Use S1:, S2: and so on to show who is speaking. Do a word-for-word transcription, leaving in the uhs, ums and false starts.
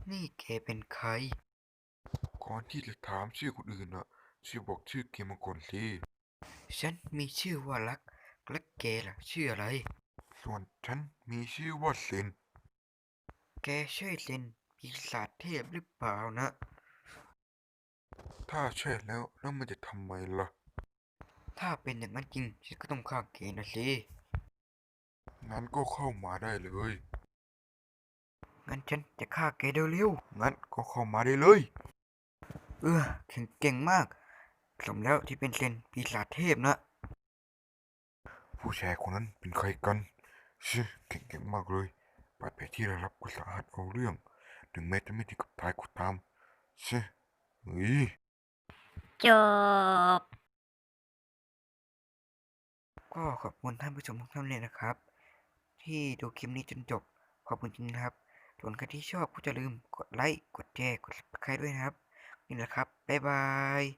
S1: นี่แกเป็นใคร
S2: ก่อนที่จะถามชื่อคนอื่นน่ะช่วยบอกชื่อเกมมาก่อนสิ
S1: ฉันมีชื่อว่ารักและแกล่ะชื่ออะไร
S2: ส่วนฉันมีชื่อว่าเซน
S1: แกใช่เซนปีศาจเทพหรือเปล่านะ
S2: ถ้าใช่แล้วแล้วมันจะทำไมล่ะ
S1: ถ้าเป็นอย่างนั้นจริงฉันก็ต้องฆ่าแกนะสิ
S2: งั้นก็เข้ามาได้เลย
S1: งั้นฉันจะฆ่าแกเร็ว
S2: งั้นก็เข้ามาได้เลย
S1: ๆเออแข็งเก่งมากสมแล้วที่เป็นเซนปีศาจเทพนะ
S2: ผู้ชายคนนั้นเป็นใครกันชิเก่งๆมากเลยบาดแผลที่ได้รับก็สาหัสเอาเรื่องถึงแม้จะไม่ถึงกับตายก็ตามชิเฮ้ย
S3: จบ
S1: ก็ขอบคุณท่านผู้ชมทุกท่านเลยนะครับที่ดูคลิปนี้จนจบขอบคุณจริงนะครับส่วนใครที่ชอบก็อย่าลืมกดไลค์กดแชร์กด ซับสไครบ์ ด้วยนะครับนี่แหละครับบ๊ายบาย